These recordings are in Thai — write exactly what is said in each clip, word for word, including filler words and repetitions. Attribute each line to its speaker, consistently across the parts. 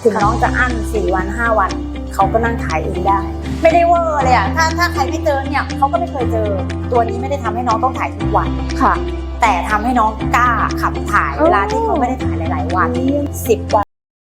Speaker 1: ถึงน้องจะอั้นสี่วันห้าวันเขาก็นั่งถ่ายเองได้ไม่ได้เวอร์เลยอ่ะถ้าถ้าใครไม่เจอเนี่ยเขาก็ไม่เคยเจอตัวนี้ไม่ได้ทำให้น้องต้องถ่ายทุกวันค่ะ แต่ทำให้น้องกล้าขับถ่ายเวลาที่เขาไม่ได้ถ่ายหลายๆวันสิบวัน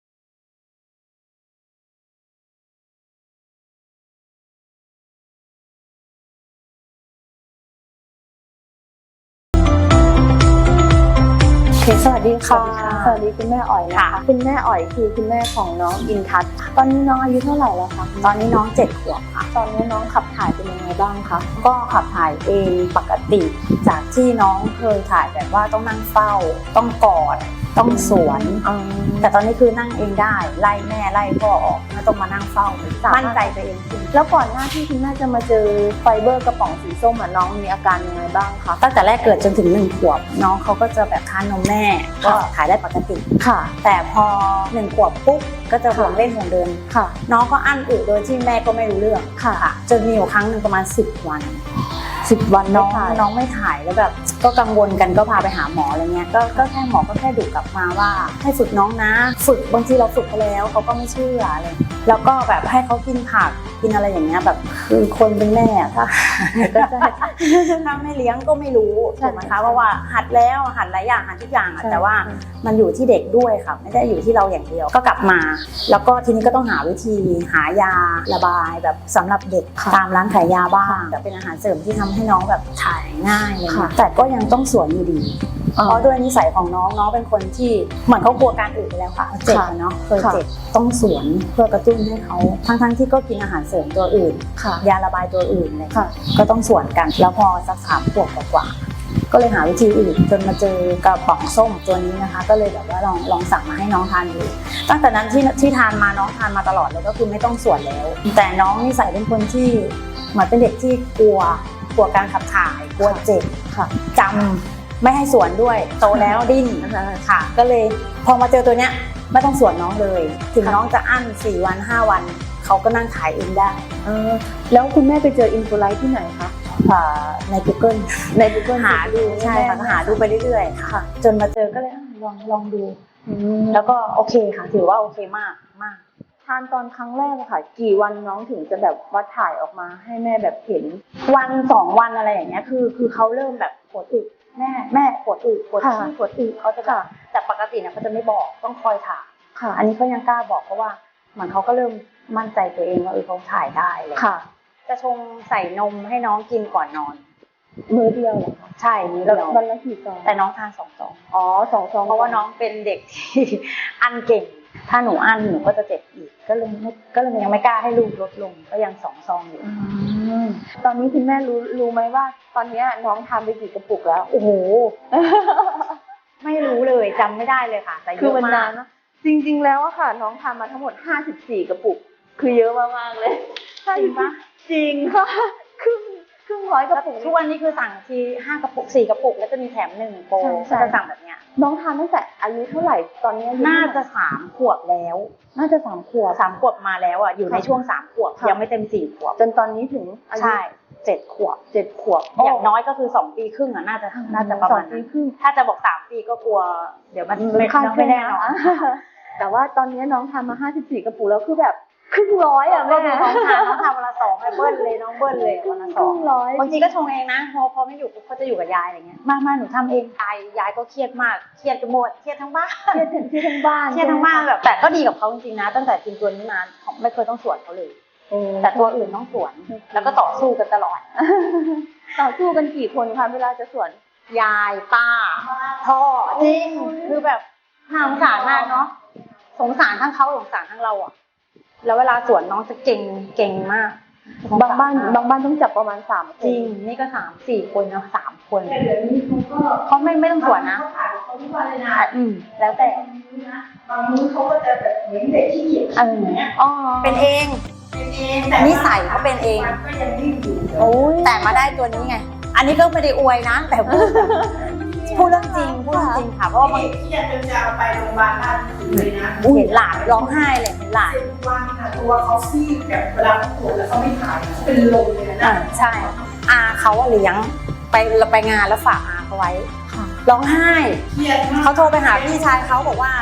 Speaker 1: สวัสดีค่ะสวัสดีคุณแม่อ๋อยนะคะคุณแม่อ๋อยคือคุณแม่ของน้องอินทัศน์ตอนนี้น้องอายุเท่าไหร่แล้วคะตอนนี้น้องเจ็ดขวบค่ะตอนนี้น้องขับถ่ายเป็นยังไงบ้างคะก็ขับถ่ายเองปกติจากที่น้องเคยถ่ายแบบว่าต้องนั่งเฝ้าต้องกอดต้องสวนแต่ตอนนี้คือนั่งเองได้ไล่แม่ไล่พ่อออกไม่ต้องมานั่งเฝ้ามั่นใจตัวเองจริงแล้วก่อนหน้าที่คุณแม่จะมาเจอไฟเบอร์กระป๋องสีส้มน้องมีอาการยังไงบ้างคะตั้งแต่แรกเกิดจนถึงหนึ่งขวบน้องเขาก็จะแบบทานนมแม่ก็ถ่ายได้ปกติค่ะแต่พอหนึ่งขวบปุ๊บก็จะห่วงเล่นห่วงเดินค่ะน้องก็อั้นอึโดยที่แม่ก็ไม่รู้เรื่องค่ะจนมีอยู่ครั้งหนึ่งประมาณสิบวันสิบวันน้องน้องไม่ถ่ายแล้วแบบก็กังวลกันก็พาไปหาหมออะไรเงี้ยก็ก็แค่หมอก็แค่ดุกลับมาว่าให้ฝึกน้องนะฝึกบางทีเราฝึกเขาแล้วเขาก็ไม่เชื่ออะไรแล้วก็แบบให้เขากินผักกินอะไรอย่างเงี้ยแบบคือคนเป็นแม่ถ้าก็จะถ้าไม่เลี้ยงก็ไม่รู้ถูกไหมคะเพราะว่าหัดแล้วหัดหลายอย่างหัดทุกอย่างแต่ว่ามันอยู่ที่เด็กด้วยค่ะไม่ได้อยู่ที่เราอย่างเดียวก็กลับมาแล้วก็ทีนี้ก็ต้องหาวิธีหายาระบายแบบสำหรับเด็กตามร้านขายยาบ้างแต่เป็นอาหารเสริมที่ทำให้น้องแบบถ่ายง่ายเลยแต่ก็ยังต้องสวนอยู่ดีเพราะด้วยนิสัยของน้องน้องเป็นคนที่เหมือนเขากลัวการอื่นไปแล้วค่ะเจ็บเนาะเคยเจ็บต้องสวนเพื่อกระตุ้นให้เขาทั้งๆที่ก็กินอาหารเสริมตัวอื่นยาระบายตัวอื่นเลยก็ต้องสวนกันแล้วพอสักสามขวบกว่าก็เลยหาวิธีอื่นจนมาเจอกระป๋องส้มตัวนี้นะคะก็เลยแบบว่าลองลองสั่งมาให้น้องทานดูตั้งแต่นั้นที่ที่ทานมาน้องทานมาตลอดเลยก็คือไม่ต้องสวนแล้วแต่น้องนิสัยเป็นคนที่เหมือนเป็นเด็กที่กลัวกลัวการขับถ่ายกลัวเจ็บค่ะจำไม่ให้สวนด้วยโตแล้วดิ้นค่ะก็เลยพอมาเจอตัวเนี้ยไม่ต้องสวนน้องเลยถึงน้องจะอั้นสี่วันห้าวันเขาก็นั่งถ่ายเองได้แล้วคุณแม่ไปเจออินโฟไลท์ที่ไหนคะใน Google ใน Google หาดูใช่ค่ะหาดูไปเรื่อยๆค่ะจนมาเจอก็เลยลองลองดูแล้วก็โอเคค่ะถือว่าโอเคมากมากทานตอนครั้งแรกค่ะกี่วันน้องถึงจะแบบว่าถ่ายออกมาให้แม่แบบเห็นวันสองวันอะไรอย่างเงี้ยคือคือเขาเริ่มแบบปวดอึแม่แม่ปวดอึปวดขี้ปวดอึเขาจะแบบแต่ปกติเนี่ยเขาจะไม่บอกต้องคอยถ่ายค่ะอันนี้เขายังกล้าบอกเพราะว่าเหมือนเขาก็เริ่มมั่นใจตัวเองว่าเออเขาถ่ายได้เลยค่ะจะชงใส่นมให้น้องกินก่อนนอนมื้อเดียวเหรอคะใช่มื้อเดียววันละกี่ซองแต่น้องทานสองซองอ๋อสองซองเพราะว่าน้องเป็นเด็กที่อั้นเก่งถ้าหนูอั้นหนูก็จะเจ็บอีกก็เลยก็เลยยังไม่กล้าให้ลูกลดลงก็ยังสองซองอยู่ตอนนี้คุณแม่รู้รู้ไหมว่าตอนนี้น้องทานไปกี่กระปุกแล้วโอ้โหไม่รู้เลยจำไม่ได้เลยค่ะแต่เยอะมากจริงๆแล้วอะค่ะน้องทานมาทั้งหมดห้าสิบสี่กระปุกคือเยอะมากๆเลยจริงปะจริงค่ะครึ่งครึ่งร้อยกระปุกทุกวันนี้คือสั่งทีห้ากระปุกสี่กระปุกแล้วจะมีแถมหนึ่งโปรก็จะสั่งแบบเนี้ยน้องทานตั้งแต่อายุเท่าไหร่ตอนนี้น่าจะสามขวบแล้วน่าจะสามขวบสามขวบมาแล้วอ่ะอยู่ในช่วงสามขวบยังไม่เต็มสี่ขวบจนตอนนี้ถึงอายุเจ็ดขวบเจ็ดขวบอย่างน้อยก็คือสองปีครึ่งอ่ะน่าจะน่าจะประมาณนั้นถ้าจะบอกสามปีก็กลัวเดี๋ยวมันไม่ไม่แน่นอนแต่ว่าตอนนี้น้องทานมาห้าสิบสี่กระปุกแล้วคือแบบครึ่งร้อยอ่ะแม่น้องทานน้องทานวันละสองไอ้เบิ้ลเลยน้องเบิ้ลเลยวันละสองบางทีก็ชงเองนะพอพอไม่อยู่เขาจะอยู่กับยายอะไรเงี้ยมามาหนูทำเองยายยายก็เครียดมากเครียดกันหมดเครียดทั้งบ้านเครียดเครียดทั้งบ้านเครียดทั้งบ้านแบบแต่ก็ดีกับเขาจริงๆนะตั้งแต่กินตัวนี้มาไม่เคยต้องสวนเขาเลยแต่ตัวอื่นต้องสวนแล้วก็ต่อสู้กันตลอดต่อสู้กันกี่คนคะเวลาจะสวนยายป้าพ่อจริงคือแบบน่าสงสารมากเนาะสงสารทั้งเขาสงสารทั้งเราอ่ะแล้วเวลาสวนน้องจะเก่งเก่งมากบางบ้านบางบ้านต้องจับประมาณสามจริงนี่ก็สามสี่คนนะสามคนแต่เดี๋ยวนี้เขาก็เขาไม่ไม่ต้องสวนนะเขาถ่ายเขาทุกวันเลยนะอืมแล้วแต่บางมื้อเขาก็จะแบบเหมือนเด็กที่เกียจอ๋อเป็นเองเป็นเองแต่นิสัยเขาเป็นเองก็ยังดิ้นอยู่โอ้ยแต่มาได้ตัวนี้ไงอันนี้ก็ไม่ได้อวยนะแต่พูดพูดเรื่องจริงพูดจริงค่ะเพราะว่าบางทีจนจะเอาไปโรงพยาบาลท่านเลยนะเห็นหลานร้องไห้เลยเห็นหลานวันค่ะตัวเขาซีดแบบเวลาเขาปวดแล้วเขาไม่ถ่ายเป็นลมเลยนะใช่อาเขาเลี้ยงไปเราไปงานแล้วฝากอาเขาไว้ร้องไห้เขาโทรไปหาพี่ชายเขาบอกว่า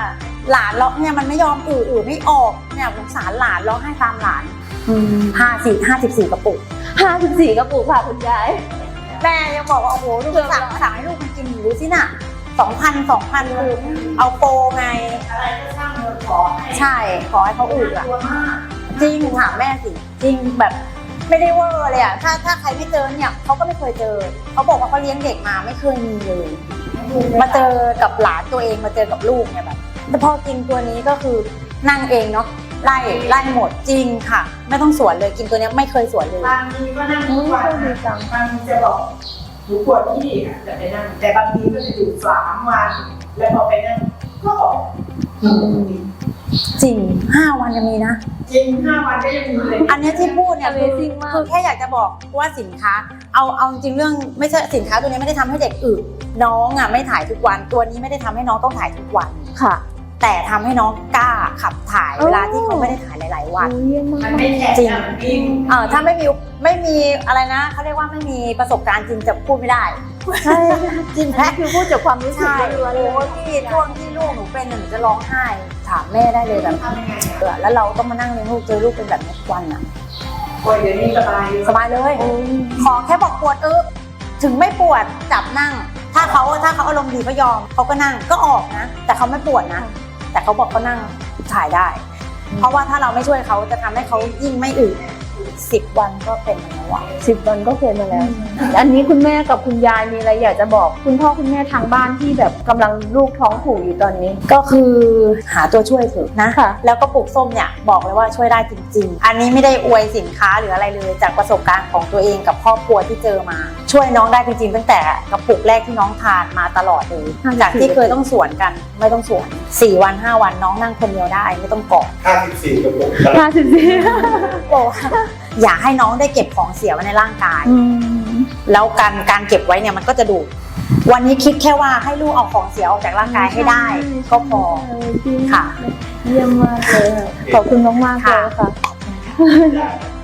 Speaker 2: หลานร้องเนี่ยมันไม่ยอมอืออือไม่ออกเนี่ยสงสารหลานร้องไห้ตามหลานห้าสี่ห้าสิบสี่กระปุก
Speaker 1: ห้าสิบสี่กระปุกค่ะคุณยาย
Speaker 2: แม่ยังบอกว่าโอ้โหลูกสั่งสั่งให้ลูกมันกินอยู่ดูสิน่ะสองพันสองพันคือเอาโปรไงอะไรก็ช่างเงินขอใช่ขอให้เขาอืดอ่ะจริงถามแม่สิจริงแบบไม่ได้เวอร์เลยอ่ะถ้าถ้าใครไม่เจอเนี่ยเขาก็ไม่เคยเจอเขาบอกว่าเขาเลี้ยงเด็กมาไม่เคยมีเลยมาเจอกับหลานตัวเองมาเจอกับลูกเนี่ยแบบแต่พอกินตัวนี้ก็คือนั่งเองเนาะไล่ไล่หมดจริงค่ะไม่ต้องสวนเลยกินตัวนี้ไม่เคยสวนเลย
Speaker 3: บางทีก็นั่งทุกวันบางทีจะบอกหนูปวดที่ค่ะจะไปนั่งแต่บางทีก็จะอยู่สามวันแล้วพอไปนั่งก็ออก
Speaker 2: จริงห้าวันยังมีนะ
Speaker 3: จริงห้าวันก็ยังมีเลย
Speaker 2: อันนี้ที่พูดเนี่ยคือ
Speaker 1: Amazing มาก
Speaker 2: คือแค่อยากจะบอกว่าสินค้าเอาเอาจริงเรื่องไม่ใช่สินค้าตัวนี้ไม่ได้ทำให้เด็กอึน้องอ่ะไม่ถ่ายทุกวันตัวนี้ไม่ได้ทำให้น้องต้องถ่ายทุกวัน
Speaker 1: ค่ะ
Speaker 2: แต่ทำให้น้องกล้าขับถ่าย
Speaker 1: อ๋อ
Speaker 2: เวลาที่เขาไม่ได้ถ่ายหลาย ๆ วัน
Speaker 1: เยี่ยมมาก
Speaker 3: มันไม่แข็ง
Speaker 2: จริง
Speaker 3: นะมันวิ่ง
Speaker 2: เออถ้าไม่มีไม่มีอะไรนะเขาเรียกว่าไม่มีประสบการณ์จริงจะพูดไม่ได้
Speaker 1: ใช่จริงๆคือพูดจากความรู้สึก
Speaker 2: ใช่
Speaker 1: ล้วนๆเลย
Speaker 2: โอ้ที่ช่วงที่ลูกหนูเป็นหนูจะร้องไห้ถามแม่ได้เลยแบบ
Speaker 3: ทำยังไง
Speaker 2: เออแล้วเราต้องมานั่งเลี้ยงลูกเจอลูกเป็นแบบนี้ทุกวันอ่ะ
Speaker 3: โอ้ยเดี๋ยวนี้สบาย
Speaker 2: สบายเลย ขอแค่บอกปวดเออถึงไม่ปวดจับนั่ง ถ้าเขาถ้าเขาอารมณ์ดีก็ยอมเขาก็นั่งก็ออกนะ แต่เขาไม่ปวดนะ แต่เขาบอกเขานั่งถ่ายได้ เพราะว่าถ้าเราไม่ช่วยเขาจะทำให้เขายิ่งไม่อึสิบวันก็เป็นแล้วอะ
Speaker 1: สิบวันก็เคยมาแล้ว อันนี้คุณแม่กับคุณยายมีอะไรอยากจะบอก คุณพ่อคุณแม่ทางบ้านที่แบบกำลังลูกท้องผูกอยู่ตอนนี้
Speaker 2: ก็คือหาตัวช่วยเถอะนะ
Speaker 1: ค่ะ
Speaker 2: แล้วก็ปลูกส้มเนี่ยบอกเลยว่าช่วยได้จริง ๆ อันนี้ไม่ได้อวยสินค้าหรืออะไรเลยจากประสบการณ์ของตัวเองกับครอบครัวที่เจอมา ช่วยน้องได้จริงๆตั้งแต่กระปุกแรกที่น้องทานมาตลอดเลยจากที่เคยต้องสวนกันไม่ต้องสวนสี่วันห้าวันน้องนั่งคนเดียวได้ไม่ต้องเกาะ
Speaker 4: ห้าสิบสี่กระปุก
Speaker 1: ห้าสิบสี่
Speaker 2: บอกว่าอย่าให้น้องได้เก็บของเสียไว้ในร่างกาย
Speaker 1: อืม
Speaker 2: แล้วการการเก็บไว้เนี่ยมันก็จะดูดวันนี้คิดแค่ว่าให้ลูกเอาของเสียออกจากร่างกายให้ได้ ก็พอ
Speaker 1: จริง
Speaker 2: ค่ะ
Speaker 1: เยี่ยมมากเลยค่ะขอบคุณมากๆเลยค่ะ